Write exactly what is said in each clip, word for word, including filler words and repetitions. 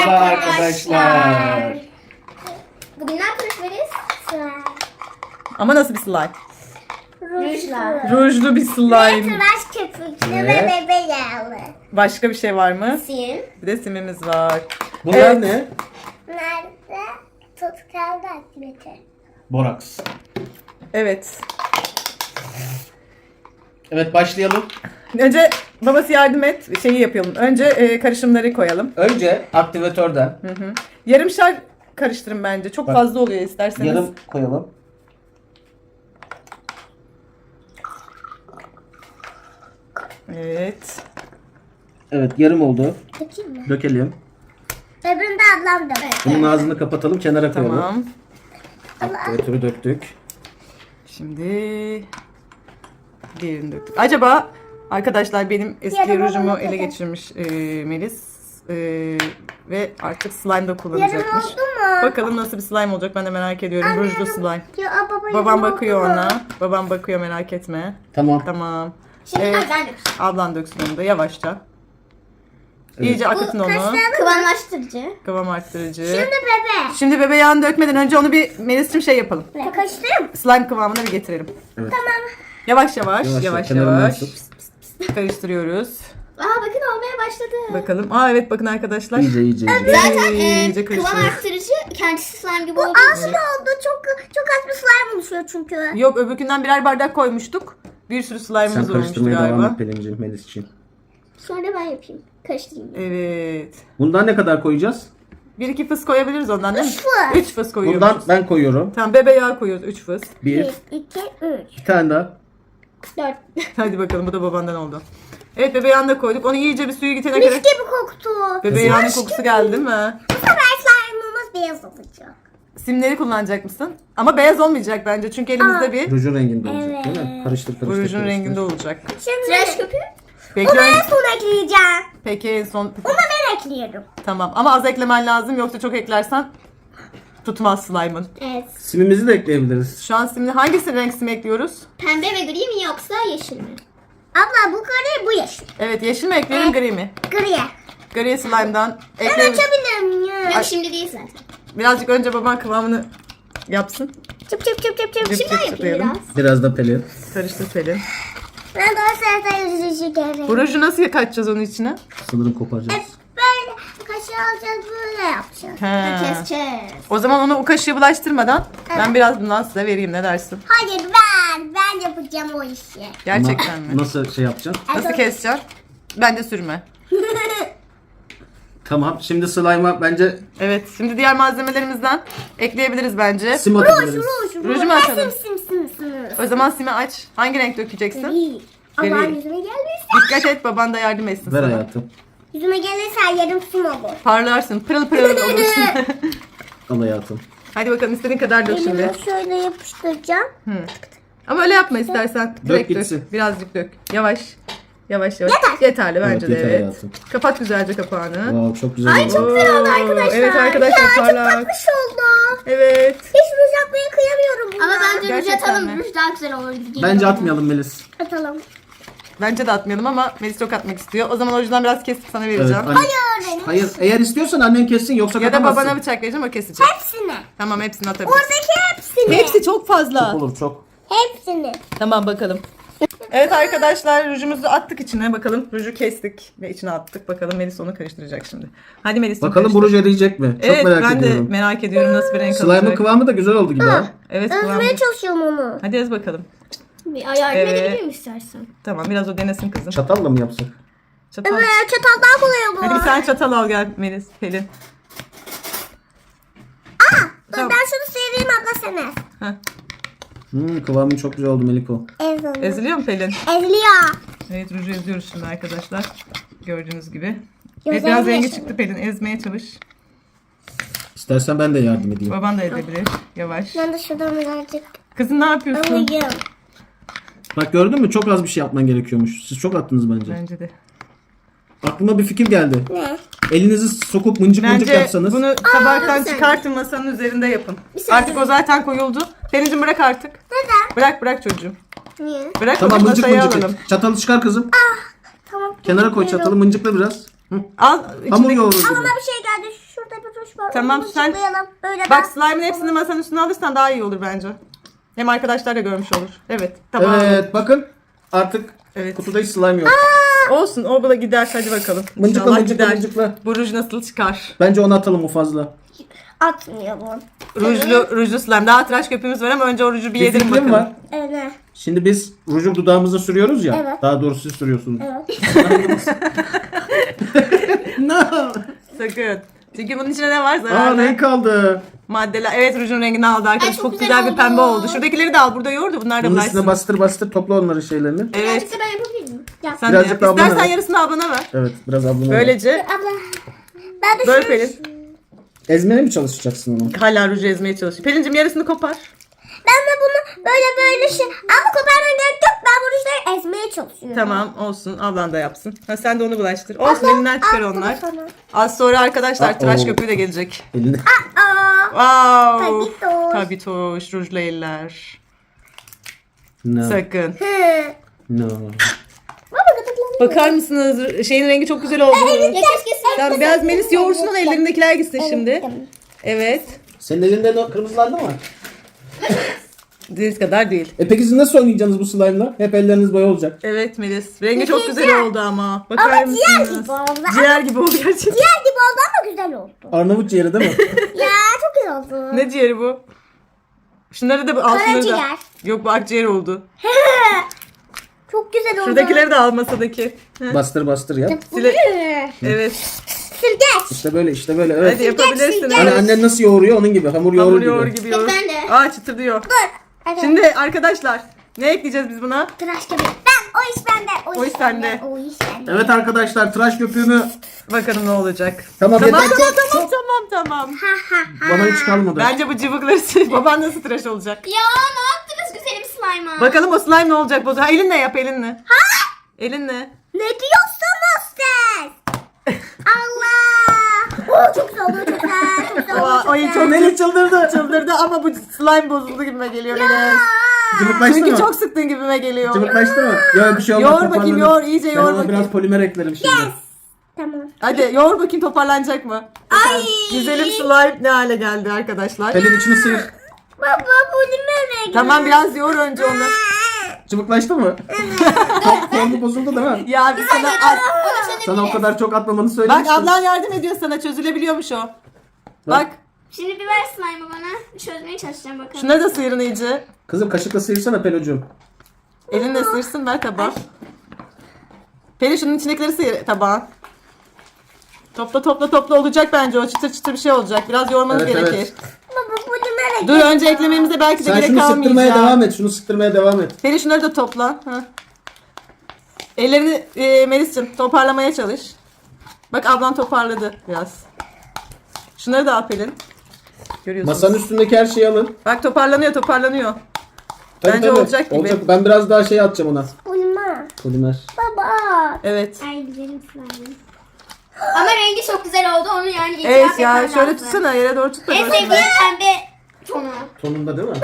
Merhaba arkadaşlar. Bugün ne yapıyoruz Melis? Slime. Ama nasıl bir slime? Rujla. Rujlu bir Ve slime. tıraş köpüklü Evet. ve bebe yağlı. Başka bir şey var mı? Sim. Bir de simimiz var. Bunlar Evet. ne? Nerede? Tutkaldı aktivite. Boraks. Evet. Evet, başlayalım. Önce babası yardım et. Şeyi yapalım. Önce e, karışımları koyalım. Önce aktivatörden Hı hı. Yarımşar karıştırın bence. Çok Bak. fazla oluyor isterseniz. yarım koyalım. Evet. Evet, yarım oldu. Bakayım mı? Dökelim. Öbürünü de ablam da. Bunun ağzını kapatalım, kenara koyalım. Tamam. Aktivatörü döktük. Şimdi diğerini döktük. Acaba arkadaşlar benim eski Yarım rujumu olana ele kadar. geçirmiş e, Melis. E, ve artık slime da Yarım kullanacakmış. oldu mu? Bakalım nasıl bir slime olacak, ben de merak ediyorum. Anne, Rujlu yarım- slime. Ya, aa, baba, Babam yarım bakıyor oldu mu? ona. Babam bakıyor, merak etme. Tamam. Tamam. Şimdi Evet. ben dökeceğim. Ablan döksün onu da yavaşça. Evet. İyice akıtın onu. kaşlar- Kıvamlaştırıcı. Kıvam arttırıcı. Şimdi bebe. Şimdi bebe yağını dökmeden önce onu bir Melis'cim şey yapalım. Kaştım. Slime kıvamına bir getirelim. Evet. Yavaş yavaş, Yavaş, yavaş kenarından yavaş. tut. Karıştırıyoruz. Aa bakın olmaya başladı. Bakalım. Aa evet, bakın arkadaşlar. İyice iyice iyice. Zaten e, İyice kıvam karıştırıyoruz. arttırıcı kendisi slime gibi olduğu Az için. oldu. Çok çok az bir slime oluşuyor çünkü. Yok, öbürkünden birer bardak koymuştuk. Bir sürü Sen slime'ımız olmuştu karıştırmaya devam galiba. et Pelin'ciğim, Melis için. Sonra ben yapayım. Karıştırayım. Evet. Bundan ne kadar koyacağız? Bir iki fıs koyabiliriz ondan değil mi? Üç fıs. Üç fıs koyuyoruz. Bundan ben koyuyorum. Tamam, bebe yağı koyuyoruz. Üç fıs. Bir, Bir, iki, üç. iki tane daha. Dört. Hadi bakalım, bu da babandan oldu. Evet, bebe yağını da koyduk. Onu iyice bir suyu gidene Mis kadar. gibi koktu. Bebe yağının kokusu geldi değil mi? Bu sefer slime'ımız beyaz olacak. Simleri kullanacak mısın? Ama beyaz olmayacak bence. Çünkü elimizde Aa. bir Rujun renginde olacak Evet. değil mi? Karıştır karıştır. bu rujun karıştır. renginde olacak. Şimdi Tıraş köpüğü. Peki, onu en ön- son ekleyeceğim. peki en son... Onu ben ekliyorum. Tamam, ama az eklemen lazım, yoksa çok eklersen tutmaz slime'ın. Evet. Simimizi de ekleyebiliriz. Şu an simli hangisi renk sim ekliyoruz? Pembe ve gri mi yoksa yeşil mi? Abla bu gri, bu yeşil. Evet, yeşil mi ekleyelim, gri mi? Griye. Gri slime'dan Ben ekleyelim. açabilir miyim? Yok şimdi değil zaten. Birazcık önce baban kıvamını yapsın. Çıp çıp çıp çıp çıp. Çıp Şimdi ben çıp yapayım çıplayalım. biraz. Biraz da Pelin. Karıştır Pelin. Ben de o sırada yüzücü gerek. Bu ruju nasıl kaçacağız onun içine? Sanırım koparacağız. Böyle kaşığı alacağız, böyle yapacağız. He. Keseceğiz. O zaman onu o kaşığı bulaştırmadan ben biraz bundan size vereyim, ne dersin? Hayır ben, ben yapacağım o işi. Gerçekten Ama mi? Nasıl şey yapacaksın? Nasıl keseceksin? Bence sürme. Tamam. Şimdi slime'a bence Evet, şimdi diğer malzemelerimizden ekleyebiliriz bence. sim atabiliriz. Ruj, Ruju mu Ben atalım? Sim sim sim sim. O zaman simi aç. Hangi renk dökeceksin? Gri. Gri. Aman yüzüme gelirse. Dikkat et, baban da yardım etsin Ver sana. hayatım. Yüzüme gelirse yarım sim olur. Parlarsın, pırıl pırıl olursun. Al hayatım. Hadi bakalım, istediğin kadar dök şimdi. Elimi şöyle yapıştıracağım. Hı. Ama öyle yapma istersen. Direkt dök. gitsin. Birazcık dök. Yavaş. Yavaş yavaş. Yeterli bence Evet, de, yeter evet. hayatım. Kapat güzelce kapağını. Wow, çok güzel Ay, oldu. çok güzel oldu arkadaşlar. Evet arkadaşlar, Ya çok parlak. tatlış oldu. Evet. Hiç ruj atmaya kıyamıyorum buna. Ama bence ruj Gerçekten atalım. mi? Ruj daha güzel olur. gibi geliyor Bence bana. atmayalım Melis. Atalım. Bence de atmayalım ama Melis çok atmak istiyor. O zaman o yüzden biraz kesip sana Evet, vereceğim. anne- Öğrenin. Hayır, eğer istiyorsan annen kessin, yoksa Ya da katamazsın. babana bıçak vereceğim, o kesecek. Hepsini. Tamam, hepsini atabilirsin. Oradaki hepsini. Hepsi çok fazla. Çok olur çok. Hepsini. Tamam, bakalım. Evet arkadaşlar, rujumuzu attık içine, bakalım. Ruju kestik ve içine attık. Bakalım Melis onu karıştıracak şimdi. Hadi Melis. Bakalım bu ruj eriyecek mi? Çok Evet, merak ben ediyorum. de merak ediyorum nasıl bir renk Slime'ın alacak. kıvamı da güzel oldu gibi ha. Evet, kıvamı. Özmeye çalışıyorum onu. Hadi yaz bakalım. Bir ay yardım Evet. edebilirim istersen. Tamam, biraz o denesin kızım. Çatalla mı yapsak? Çatal. Evet, çatal daha kolay olur. Hadi bir tane çatal al gel Melis, Pelin. Dur, Tamam. ben şunu seveyim abla sana. Heh. Hmm, kıvamı çok güzel oldu Meliko. Eziliyor. Eziliyor mu Pelin? Eziliyor. Evet, ruju eziyoruz şimdi arkadaşlar. Gördüğünüz gibi. Güzel Evet, biraz rengi yaşadım. çıktı Pelin. Ezmeye çalış. İstersen ben de yardım edeyim. Baban da edebilir. Yavaş. Ben de şuradan birazcık Kızım ne yapıyorsun? alayım. Bak gördün mü? Çok az bir şey yapman gerekiyormuş. Siz çok attınız bence. Bence de. Aklıma bir fikir geldi. Ne? Elinizi sokup mıncık mıncık Bence yapsanız. bunu tabaktan bir çıkartın, masanın üzerinde yapın. saniye. Artık o zaten koyuldu. Pelin'cim bırak artık. Neden? Bırak bırak çocuğum. Niye? Bırak, Tamam, onu mıncık masaya mıncık alalım. et. Çatalı çıkar kızım. Tamam. Kenara koy çatalı, mıncıkla biraz. Hı. Al Hamur içindeki... yoğurur gibi. Bana bir şey geldi. Şurada Tamam, Bunu sen- yıkayalım. Böyle Bak slime'ın hepsini masanın üstüne alırsan daha iyi olur bence. Hem arkadaşlar da görmüş olur. Evet. Tamam. Evet bakın artık Evet. kutuda hiç slime yok. Olsun o bula gider hadi bakalım. Mıncıkla İnşallah mıncıkla gider. mıncıkla. Bu ruj nasıl çıkar? Bence onu atalım o fazla. atmıyor bu. Rujlu, rujlu slime. Daha tıraş köpüğümüz var ama önce o ruju bir Bir yedirin fikrim bakalım. var. Evet. Şimdi biz ruju dudağımıza sürüyoruz ya. Evet. Daha doğrusu siz sürüyorsunuz. Evet. No. Sakın. Çünkü bunun içine ne var? Aa Zararlı renk kaldı. maddeler. Evet rujun rengini aldı arkadaşlar. Ay, Çok, çok güzel, güzel bir pembe oldu. oldu. Şuradakileri de al. Burada yoğurdu. Bunlar da Bunun üstüne bulaşsın. bastır bastır topla onların şeylerini. Evet. Birazcık da ben yapabilir miyim? Yap. Sen de Birazcık yap. daha bana İstersen ver. yarısını ablana ver. Evet biraz ablama. ver. Böylece Abla. Ben de böyle şunu- Pelin. Ezmeye mi çalışacaksın onu? Hala ruju ezmeye çalışıyor. Pelin'cim yarısını kopar. Ben de bunu böyle böyle şey. Ama koparma gerek yok. Ben bu rujları ezmeye çalışıyorum. Tamam olsun. Ablan da yapsın. Ha, sen de onu bulaştır. Olsun elinden çıkar al bunu onlar. sana. Az sonra arkadaşlar Aa, tıraş oo. köpüğü de gelecek. Elini. Aa. Wow. Tabitoş. Tabitoş. Rujlu eller. No. Sakın. Hı. No. Baba gıdıklanıyor. Bakar mısınız? Şeyin rengi çok güzel oldu. Ya keşke sen. Tamam biraz Melis yoğursun onu ellerindekiler gitsin şimdi. Tamam. Evet. Senin elinde o kırmızılandı mı? Deniz kadar değil. E peki siz nasıl oynayacaksınız bu slime'la? Hep elleriniz boya olacak. Evet Melis. Rengi çok güzel oldu ama. Bakar Ama ciğer mısınız? gibi oldu. Ciğer gibi oldu gerçekten. Ciğer gibi oldu ama güzel oldu. Arnavut ciğeri değil mi? Ya çok güzel oldu. Ne ciğeri bu? Şunları da al şunları da. Karaciğer. Yok bu akciğer oldu. Çok güzel oldu. Şuradakileri de al masadaki. Heh. Bastır bastır yap. Sile- Hı. Evet. Sirgeç. İşte böyle işte böyle evet. Hadi yapabilirsiniz. Hani annen nasıl yoğuruyor onun gibi. Hamur yoğurur Hamur gibi. yoğur gibi yoğur. Ben de. Aa çıtır diyor. Dur. Evet. Şimdi arkadaşlar ne ekleyeceğiz biz buna? Tıraş köpüğü. Ben o iş bende. O iş sende. O iş bende. Evet arkadaşlar tıraş köpüğümü Bakalım ne olacak. Tamam, tamam yeter. tamam Çok- tamam tamam tamam. Ha ha ha. bana hiç kalmadı. Bence bu cıvıkları sil. Baban nasıl tıraş olacak? Ya ne yaptınız güzelim slime'a? Bakalım o slime ne olacak Bozu? Ha, elinle yap elinle. Ha? Elinle. Ne diyorsunuz siz? Allah. Oo, çok güzel oldu. Çok güzel. Çok güzel oldu. Aa, Çok ay güzel. çok Melih çıldırdı. çıldırdı ama bu slime bozuldu gibime geliyor Melis. Cıvıklaştı Çünkü mı? çok sıktın gibime geliyor. Cıvıklaştı mı? Yok bir şey olmaz. Yoğur bakayım, toparlanır. yoğur, iyice yoğur Ben ona bakayım. biraz polimer eklerim şimdi. Tamam. Hadi yoğur bakayım toparlanacak mı? Ay. Güzelim slime ne hale geldi arkadaşlar. Pelin içini sıyır. Baba bu ne renk? Tamam biraz yoğur önce onu. Cıvıklaştı mı? Çok formu bozuldu değil mi? Ya biz sana az... Sana o kadar çok atmamanı Bak söylemiştim. ablan yardım ediyor sana çözülebiliyormuş o. Bak Şimdi bir ver slime'ı bana. Çözmeye çalışacağım bakalım. şunları da sıyırın iyice. Kızım kaşıkla sıyırsana Pelocuğum. Elinle sıyırsın ver tabağa. Pelin şunun içindekileri sıyır tabağa. Topla topla topla olacak bence o çıtır çıtır bir şey olacak. Biraz yoğurmanız Evet, gerekir. evet. Baba bu ne renk? Dur önce eklememize belki de Sen gerek şunu sıktırmaya kalmayacak. devam et. Şunu sıktırmaya devam et. Pelin şunları da topla. Ha. Ellerini e, Melis'cim toparlamaya çalış. Bak ablan toparladı biraz. Şunları da al Pelin. Görüyorsunuz. Masanın üstündeki her şeyi alın. Bak toparlanıyor toparlanıyor. Tabii, Bence tabii. olacak gibi. Şey Ben biraz daha şey atacağım ona. Ulma. Polimer. Baba. Evet. Ay güzelim slime'ım. Ama rengi çok güzel oldu. Onu yani itiraf Evet ya etmem şöyle lazım. tutsana yere doğru tut da En görsünler. sevdiğim pembe tonu. Tonunda değil mi?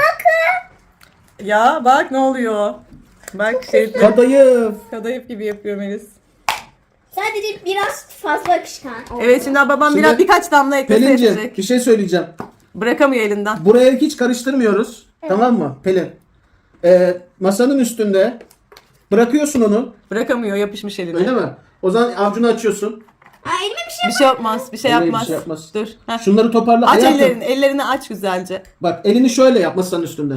Ya bak ne oluyor. Bak şey Kadayıf. kadayıf gibi yapıyor Melis. Sadece biraz fazla akışkan oldu. Evet şimdi babam Şimdi biraz birkaç damla eklese Pelinciğim edecek. bir şey söyleyeceğim. Bırakamıyor elinden. Buraya hiç karıştırmıyoruz. Tamam mı Pelin? Ee, masanın üstünde bırakıyorsun onu. Bırakamıyor yapışmış eline. Öyle mi? O zaman avcunu açıyorsun. Ay elime bir şey Bir şey yapmaz. Bir şey Elleri bir yapmaz. şey yapmaz. Dur. Heh. Şunları toparla. Aç Hayatım, ellerini. Ellerini aç güzelce. bak elini şöyle yap masanın üstünde.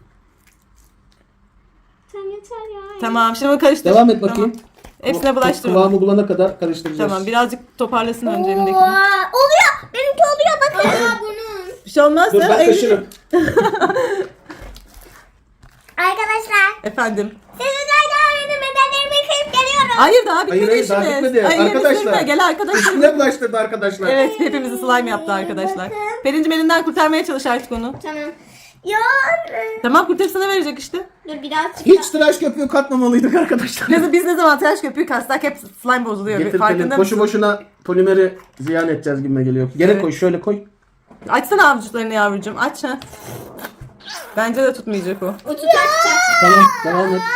Sen yeter ya. Tamam şimdi bunu karıştır. Devam et bakayım. Tamam. Hepsine bulaştır onu. Kıvamı bulana kadar karıştıracağız. Tamam birazcık toparlasın önce elindekini. Aa, oluyor. Benimki oluyor bakın. Aa burnum. Bir şey olmaz Dur da ben elini- taşırım. Arkadaşlar. Efendim. Sizler daha benim bedenlerimi yıkayıp geliyorum. Hayır daha bitmedi Hayır hayır daha işimiz. bitmedi. Ay, elini Arkadaşlar. sürme. Gel arkadaşlar. Üstüne bulaştırdı arkadaşlar. Evet hepimizi slime yaptı arkadaşlar. Pelincim elinden kurtarmaya çalış artık onu. Tamam. Ya. Tamam kurtarısına verecek işte. Dur birazcık Hiç tıraş köpüğü katmamalıydık arkadaşlar. Biz, biz ne zaman tıraş köpüğü kastak hep slime bozuluyor. Getir Pelin. Farkında Boşu mısın? boşuna polimeri ziyan edeceğiz gibime geliyor. Gene Evet. koy şöyle koy. Açsana avuçlarını yavrucuğum aç ha. Bence de tutmayacak o. o tutar tutar. Tamam devam et.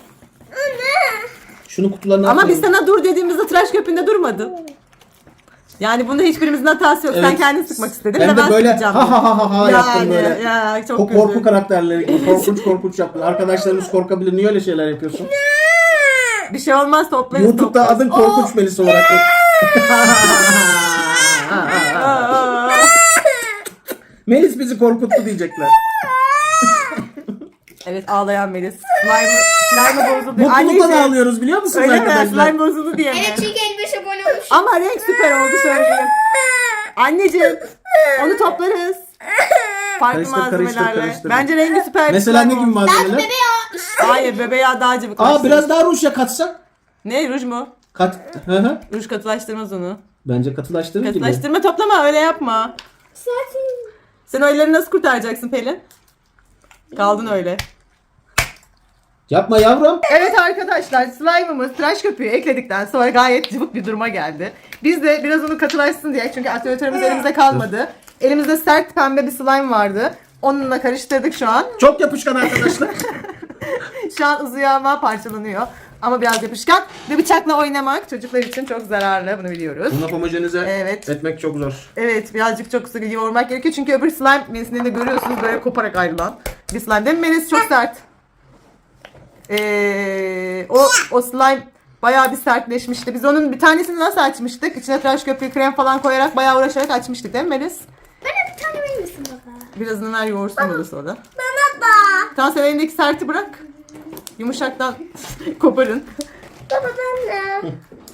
Şunu kutularına Ama atalım. biz sana dur dediğimizde tıraş köpüğünde durmadın. Yani bunda hiçbirimizin hatası yok. Sen Evet. kendini sıkmak istedin. Hem bir de ben böyle sıkacağım. ha ha ha ha ha yaptım Yani, böyle. ya, çok Ko- korku güzel. karakterleri gibi korkunç korkunç yaptın. Arkadaşlarımız korkabilir. Niye öyle şeyler yapıyorsun? Bir şey olmaz, toplarız. YouTube'da toplarız. adın Korkunç Melis olarak. Aa. Melis bizi korkuttu diyecekler. Evet, ağlayan Melis. Slime, slime bozuldu. Mutluluktan Anneciğim, ağlıyoruz biliyor musunuz öyle mi? arkadaşlar? Slime bozuldu diye mi? Evet çünkü elli beş abone olmuş. Ama renk süper oldu söyleyeyim. Anneciğim, onu toplarız. Farklı Karıştır, karıştır, malzemelerle. karıştır. Bence rengi süper. bir Mesela slime ne gibi oldu. malzemeler? Bebe ya. Hayır, bebe yağı daha cıvık. Aa biraz daha ruj ya katsak. Ne, ruj mu? Kat. Hı hı. Ruj katılaştırmaz onu. Bence katılaştırır gibi. Katılaştırma, toplama, öyle yapma. Zaten. Sen o elleri nasıl kurtaracaksın Pelin? Kaldın öyle. Yapma yavrum. Evet arkadaşlar, slime'ımız tıraş köpüğü ekledikten sonra gayet cıvık bir duruma geldi. Biz de biraz onu katılaşsın diye, çünkü aspiratörümüz elimizde kalmadı. Elimizde sert pembe bir slime vardı. Onunla karıştırdık şu an. Çok yapışkan arkadaşlar. Şu an uzuyor ama parçalanıyor. Ama biraz yapışkan ve bıçakla oynamak çocuklar için çok zararlı, bunu biliyoruz. Bunu homojenize Evet. etmek çok zor. Evet, birazcık çok sıkı yoğurmak gerekiyor çünkü öbür slime Melis'in de görüyorsunuz böyle koparak ayrılan bir slime değil mi Melis? Çok sert. Ee, o, o slime bayağı bir sertleşmişti. Biz onun bir tanesini nasıl açmıştık? İçine tıraş köpüğü, krem falan koyarak bayağı uğraşarak açmıştık değil mi Melis? Bana bir tane verir misin baba? Birazını ver yoğursun bunu sonra. Bana da. Tamam, sen elindeki serti bırak. Yumuşaktan koparın. Baba ben de.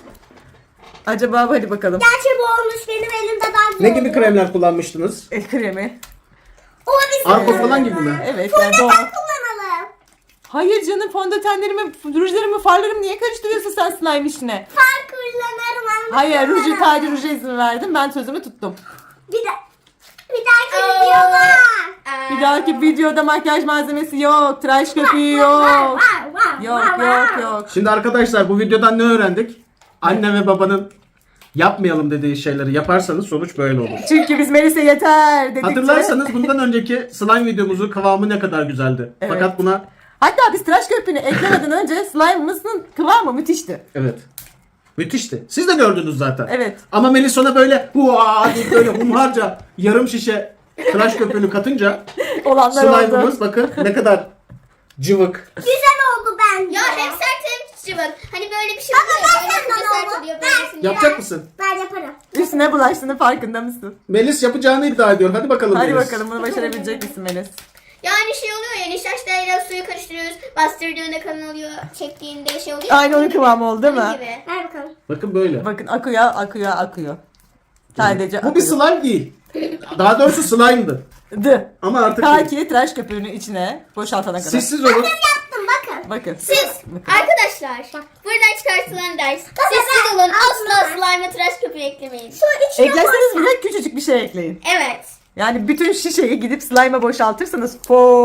Acaba hadi bakalım. Gerçi bu olmuş benim elimde daha güzel Ne gibi oluyor. kremler kullanmıştınız? El kremi. O bizim Arko falan gibi mi? Evet yani doğal. kullanalım. Hayır canım, fondötenlerimi, rujlarımı, farlarımı niye karıştırıyorsun sen slime işine? Far kullanırım ama. Hayır, ruju sadece ruja izin verdim. Ben sözümü tuttum. Bir de. Bir dahaki Oo. videoda. Bir dahaki videoda makyaj malzemesi yok. Tıraş köpüğü yok. Var, var, Yok var, yok var. yok. Şimdi arkadaşlar bu videodan ne öğrendik? Anne ve babanın yapmayalım dediği şeyleri yaparsanız sonuç böyle olur. Çünkü biz Melis'e yeter dedikçe. Hatırlarsanız bundan önceki slime videomuzun kıvamı ne kadar güzeldi. Evet. Fakat buna Hatta biz tıraş köpüğünü eklemeden önce slime'ımızın kıvamı müthişti. evet. Müthişti. Siz de gördünüz zaten. Evet. Ama Melis ona böyle hua deyip böyle humharca yarım şişe tıraş köpüğünü katınca Olanlar oldu. slime'ımız bakın ne kadar cıvık. Güzel oldu bence. Ya hem sert hem cıvık. Hani böyle bir şey Baba, oluyor. ben Böyle senden yapınca sert oldu. oluyor. Ben- Böylesini Yapacak mısın? Ben yaparım. Üstüne bulaştığının farkında mısın? Melis yapacağını iddia ediyor. Hadi bakalım Hadi Melis. bakalım, bunu başarabilecek misin Melis? Yani şey oluyor ya, nişastayla suyu karıştırıyoruz. Bastırdığında kalın oluyor. Çektiğinde şey oluyor. Aynı onun kıvamı oldu değil Onun mi? gibi. Ver bakalım. Bakın böyle. Bakın akıyor, akıyor, akıyor. Sadece Bu bir akıyor. slime değil. Daha doğrusu slime'dı. Dı. Ama artık Ta değil. ki tıraş köpüğünü içine boşaltana kadar. Sessiz olun. Yaptım bakın. Bakın. Siz arkadaşlar buradan çıkartılan ders. Sessiz olun, asla slime'a tıraş köpüğü eklemeyin. Şu içine Eklerseniz koysan. bile küçücük bir şey ekleyin. Evet. Yani bütün şişeyi gidip slime'a boşaltırsanız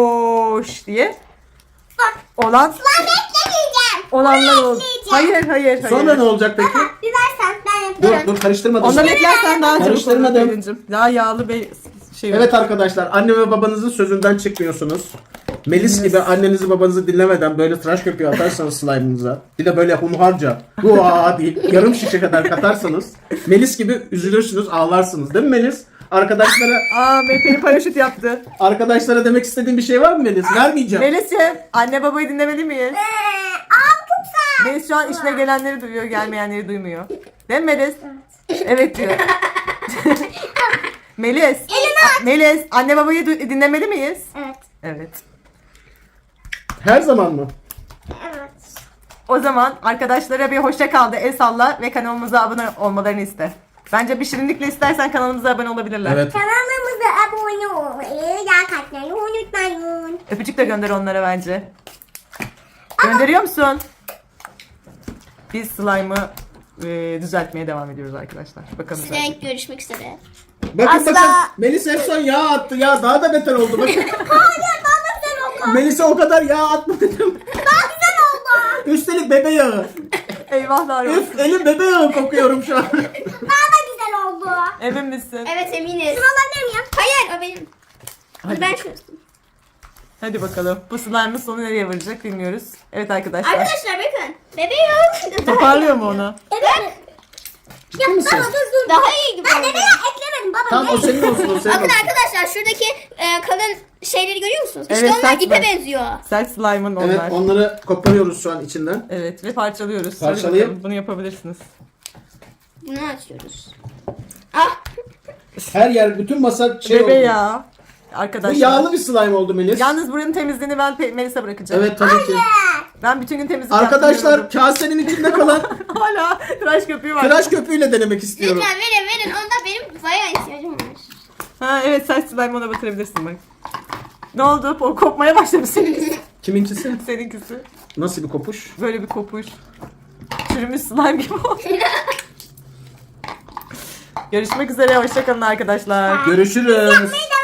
foş diye Bak. olan Ben beklemeyeceğim. olanlar oldu. ekleyeceğim. Hayır hayır hayır. Sonra ne olacak peki? Bir versen ben Dur yaparım. dur karıştırmadım. Ondan eklersen daha çabuk olur Karıştırmadım. Pelin'cim. Daha yağlı bir şey olur. Evet arkadaşlar anne ve babanızın sözünden çıkmıyorsunuz. Melis gibi annenizi babanızı dinlemeden böyle tıraş köpüğü atarsanız slime'ınıza, bir de böyle hunharca hua deyip yarım şişe kadar katarsanız Melis gibi üzülürsünüz, ağlarsınız değil mi Melis? Arkadaşlara Aa, Pelin paraşüt yaptı. arkadaşlara demek istediğin bir şey var mı Melis? Vermeyeceğim. Melis'ciğim, anne babayı dinlemeli miyiz? Ee, Aa çok sert. Melis şu an işine gelenleri duyuyor, gelmeyenleri duymuyor. Değil mi Melis? Evet diyor. Melis. Melis, anne babayı du- dinlemeli miyiz? Evet. Evet. Her zaman mı? Evet. O zaman arkadaşlara bir hoşça kal de, el salla ve kanalımıza abone olmalarını iste. Bence bir şirinlikle istersen kanalımıza abone olabilirler. Evet. Kanalımıza abone olmayı, like atmayı unutmayın. Öpücük de gönder onlara bence. Gönderiyor musun? Biz slime'ı e, düzeltmeye devam ediyoruz arkadaşlar. Bakalım. Size düzelecek mi? görüşmek üzere. Bakın Asla. bakın Melis en son yağ attı ya daha da beter oldu bakın. Hayır daha da güzel oldu. Melis'e o kadar yağ atma dedim. Daha güzel oldu. Üstelik bebe yağı. Eyvahlar olsun. Üf elim bebe yağı kokuyorum şu an. Daha da güzel oldu. Emin misin? Evet eminiz. Şunu alabilir miyim? Hayır o benim. Hadi. Ben çözdüm. Hadi bakalım. Bu slime'ın sonu nereye varacak bilmiyoruz. Evet arkadaşlar. Arkadaşlar bakın. Bebeğim. Toparlıyor mu onu? Evet. Ya misin? baba dur dur. Daha iyi gibi Ben oldu. demeye eklemedim baba. Tamam o ne? senin olsun o senin Bakın olsun. arkadaşlar şuradaki e, kalın şeyleri görüyor musunuz? İşte Evet, onlar sert ipe mi? benziyor. Sert slime'ın onlar. Evet Evet, onları koparıyoruz şu an içinden. ve parçalıyoruz. Hadi Parçalayıp- bakalım, bunu yapabilirsiniz. Bunu açıyoruz. Ah Her yer bütün masa şey Bebe oldu. ya. Bu Arkadaşlar. yağlı bir slime oldu Melis. Yalnız buranın temizliğini ben Pe- Melis'e bırakacağım. Evet tabii ki. Ben bütün gün temizlik Arkadaşlar yaptım. kasenin içinde kalan Hala tıraş köpüğü var. tıraş köpüğüyle denemek istiyorum. lütfen verin verin. Onda benim bayağı ihtiyacım var. Ha evet, sert slime ona batırabilirsin bak. Ne oldu? O kopmaya başladı senin. Kiminkisi? Seninkisi. Nasıl bir kopuş? Böyle bir kopuş. Çürümüş slime gibi oldu. Görüşmek üzere. Hoşçakalın arkadaşlar. Görüşürüz.